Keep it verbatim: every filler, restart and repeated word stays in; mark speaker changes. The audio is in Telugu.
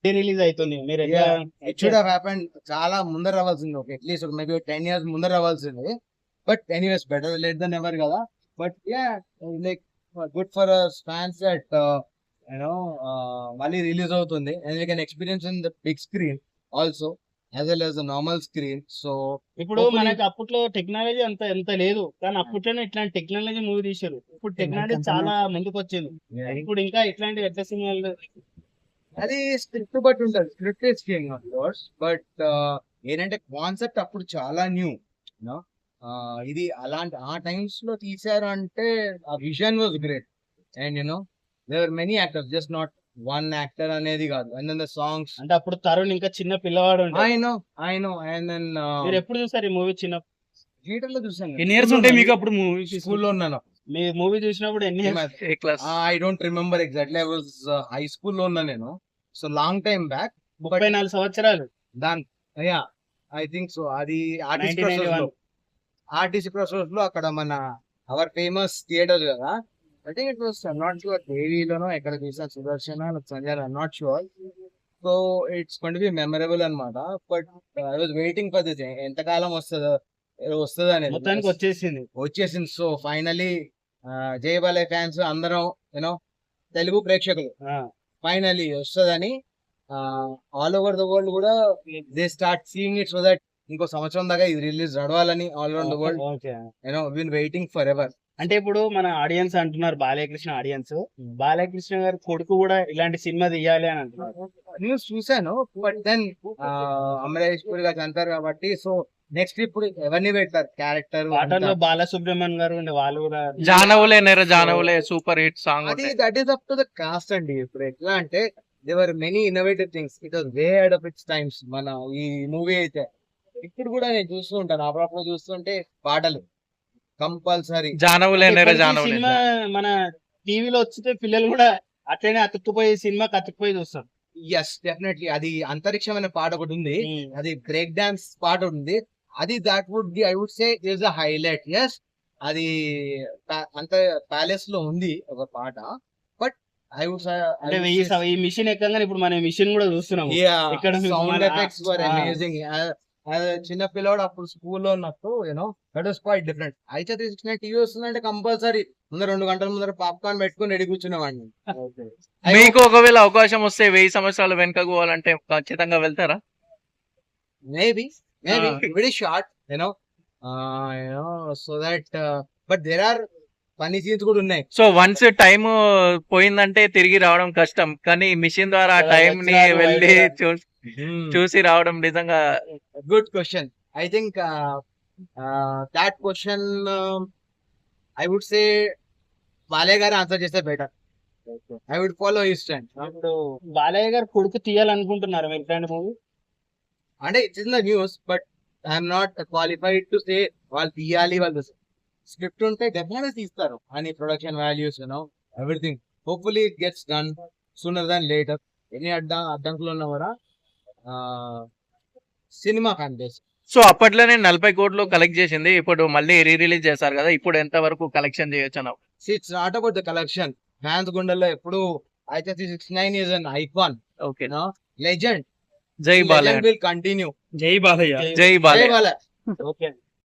Speaker 1: రిలీజ్ అవుతుంది మీరు
Speaker 2: ఇట్ షుడ్ హావ్ హ్యాపెండ్ చాలా ముందర రావాల్సింది, ఒక అట్లీస్ట్ మేబీ టెన్ ఇయర్స్ ముందర రావాల్సింది. But anyways better late then ever కదా. But ya like good for fans that you know మళ్ళీ రిలీజ్ అవుతుంది and you can experience in the big screen also as well as the normal screen. So
Speaker 1: ఇప్పుడు మనకి అప్పట్లో టెక్నాలజీ అంత ఎంత లేదు, కానీ అప్పట్లోనే ఇట్లాంటి టెక్నాలజీ మూవీ తీశారు. ఇప్పుడు టెక్నాలజీ చాలా ముందుకు వచ్చింది. ఇప్పుడు ఇంకా ఇట్లాంటి ఎట్ల సినిమాలు
Speaker 2: అది స్క్రిప్ట్ బట్టి ఉంటుంది, script is king of course. But ఏంటంటే కాన్సెప్ట్ అప్పుడు చాలా న్యూ, యూనో ఇది అలాంటి ఆ టైమ్స్ లో తీసారు అంటే ఆ vision was great. And you know there many actors, just not one actor అనేది కాదు. అండ్ దెన్ ద సాంగ్స్
Speaker 1: అంటే అప్పుడు తరుణ్ ఇంకా చిన్న పిల్లవాడు ఉంటాడు.
Speaker 2: I know I know and then
Speaker 1: మీరు ఎప్పుడు చూసారు ఈ మూవీ? చిన్న
Speaker 2: థియేటర్ లో చూసాను.
Speaker 1: ఎన్ని ఇయర్స్ ఉంటాయి మీకు అప్పుడు మూవీ?
Speaker 2: స్కూల్లో ఉన్నాను.
Speaker 1: మీ మూవీ చూసినప్పుడు ఎన్ని years?
Speaker 2: I don't remember exactly, I was high స్కూల్లో ఉన్నా నేను. సో లాంగ్ టైమ్ బ్యాక్,
Speaker 1: ముప్పై నాలుగు సంవత్సరాలు
Speaker 2: దాని యా ఐ థింక్ సో. అది ఆర్టీసీ క్రాస్ రోడ్ లో, ఆర్టీసీ క్రాస్ రోడ్ లో అక్కడ మన అవర్ ఫేమస్ థియేటర్ కదా. I think it was not sure దేవీలోనో ఎక్కడ తీసాను, Sudarshana Sanjay, I not sure. So it's going to be memorable అన్నమాట. But I was waiting for this, ఎంతకాలం వస్తుందో వస్తుంది అనేది.
Speaker 1: మొత్తానికి వచ్చేసింది
Speaker 2: వచ్చేసింది సో ఫైనలీ జై బాలయ్య ఫ్యాన్స్ అందరం, యూనో తెలుగు ప్రేక్షకులు ఫైనలీ వస్తుందని ఆల్ ఓవర్ ద వరల్డ్ కూడా they start seeing it, so that ఇంకో సంవత్సరం దాకా ఇది రిలీజ్ నడవాలని all over the world you know been waiting for ever.
Speaker 1: అంటే ఇప్పుడు మన ఆడియన్స్ అంటున్నారు, బాలయ్యకృష్ణ ఆడియన్స్, బాలయ్యకృష్ణ గారి కొడుకు కూడా ఇలాంటి సినిమా తీయాలి అని అంటున్నారు.
Speaker 2: న్యూస్ చూసాను. బట్ దెన్ అమరేష్ పూరి గారు అంటారు కాబట్టి, సో నెక్స్ట్ ఇప్పుడు ఎవరిని పెడతారు క్యారెక్టర్?
Speaker 1: పాటల్లో బాలసుబ్రహ్మణ్యం గారు ఉండే, వాళ్ళు కూడా
Speaker 3: జానవులే నెర జానవులే సూపర్ హిట్ సాంగ్.
Speaker 2: అది that is up to the cost అండి. ఇప్పుడు ఎట్లా అంటే there were many innovative things, it was way ahead of its times. మన ఈ మూవీ అయితే ఇప్పుడు కూడా నేను చూస్తూ ఉంటాను, అప్పుడప్పుడు చూస్తుంటే పాటలు కంపల్సరీ.
Speaker 3: జానవులే నెర జానవులే
Speaker 1: సినిమా మన టీవీలో వచ్చితే పిల్లలు కూడా అట్లనే అతుక్కుపోయి సినిమా అతుక్కుపోయి చూస్తారు.
Speaker 2: Yes definitely. అది అంతరిక్షం అనే పాట ఒకటి ఉంది, అది బ్రేక్ డాన్స్ పాట ఉంది. అది that would be I would say is a highlight. Yes అది అంత ప్యాలెస్ లో ఉంది ఒక పాట. బట్ ఐ వుడ్
Speaker 1: అంటే ఈ మిషన్ ఎక్కగానే ఇప్పుడు మనం మిషన్ కూడా చూస్తున్నాం.
Speaker 2: ఇక్కడ సౌండ్ ఎఫెక్ట్స్ వర్ అమేజింగ్. చిన్న పిల్లవాడు అప్పుడు స్కూల్లో ఉన్నట్టు, you know that was quite different. అయితే త్రీ సిక్స్టీ నైన్ టీవీ వస్తుందంటే కంపల్సరీ ముందర రెండు గంటల ముందర పాప్కార్న్ పెట్టుకుని రెడీ కూర్చునేవాడిని.
Speaker 3: మీకు ఒకవేళ అవకాశం వస్తే వెయ్యి సంవత్సరాలు వెనకకు పోవాలంటే ఖచ్చితంగా వెళ్తారా?
Speaker 2: Maybe maybe very short, you know you know so that. But there are funny scenes కూడా ఉన్నాయి.
Speaker 3: సో వన్స్ టైం పోయిందంటే తిరిగి రావడం కష్టం, కానీ మిషన్ ద్వారా ఆ టైం ని వెళ్ళి చూసి రావడం నిజంగా
Speaker 2: good question. I think that question I would say Balayya గారు ఆన్సర్ చేస్తే better. I would follow his stand.
Speaker 1: ఇప్పుడు బాలయ్య గారు కొడుకు తీయాలనుకుంటున్నారు మీరు ఇట్లాంటి మూవీ?
Speaker 2: అంటే it's in the news, but I'm not qualified to say వాళ్ళు తీయాలి. వాళ్ళు స్క్రిప్ట్ ఉంటే డెఫినెట్గా తీస్తారు అని production values, you know everything. Hopefully it gets done sooner than later. ఎన్ని అడ్డా అడ్డంకులు ఉన్నా కూడా సినిమా కనిపిస్తుంది.
Speaker 3: సో అప్పట్లోనే నలభై కోట్లు కలెక్ట్ చేసింది, ఇప్పుడు మళ్ళీ రీ రిలీజ్ చేశారు కదా, ఇప్పుడు ఎంత వరకు కలెక్షన్ చేయొచ్చు అన్న?
Speaker 2: It's not about the collection. Fans గుండెల్లో ఎప్పుడు అయితే six nine is an icon,
Speaker 3: okay
Speaker 2: legend.
Speaker 3: జై బాలయ్య
Speaker 2: విల్ కంటిన్యూ.
Speaker 1: జై బాలయ్య.
Speaker 3: జై బాలయ్య.
Speaker 2: ఓకే.